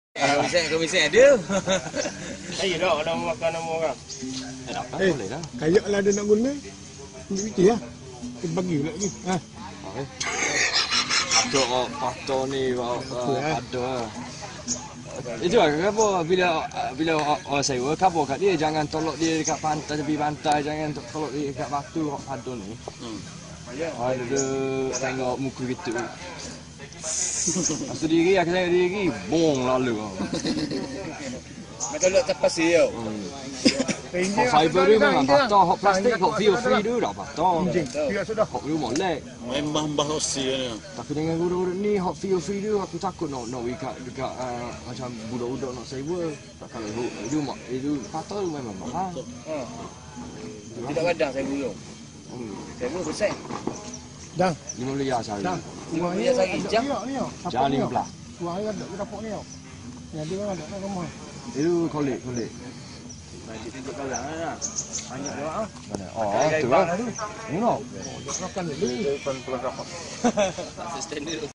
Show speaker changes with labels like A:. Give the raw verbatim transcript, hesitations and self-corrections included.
A: Komisen, komisen ada.
B: Saya dah ada makan nama orang.
C: Eh, kayak lah dia nak guna. Ambil piti lah. Dia bagi pula lagi. Ha.
D: Okey. Ada patah ni ada. Itu lah kenapa bila bila orang sewa kapo kat dia jangan tolak dia dekat pantai tepi pantai, jangan tolak dia dekat batu hok padon ni. Hmm. Ada tengok muka gitu. Masa diri aku tengok diri bong lalu.
A: Macam letak pasir tau.
D: Hok fiber dia memang patah, hok plastik hok feel free dia dah patah.
C: Biar sudah.
D: Hok dia molek.
E: Membah-mbah rosi ni.
D: Tapi dengan guru-guru ni hok feel free dia aku takut nak nak dekat dekat uh, macam budak-budak nak sewa. Tak kalau itu itu itu patah tu memang mahal.
A: Ha. Tidak kadang saya burung.
D: Hmm.
A: Saya burung besar.
C: Dah.
D: lima belas ya sehari.
C: Dah.
A: Lima belas hari jam.
D: Jangan lima belas.
C: Wah, ada dia dapat ni. Yang dia ada dalam rumah.
D: Itu kolek kolek.
A: Macam tunjuk kalang lah. Banyak dia ah.
D: Mana? Oh, tu lah. Tengok.
C: Makan dulu.
A: Tak standard.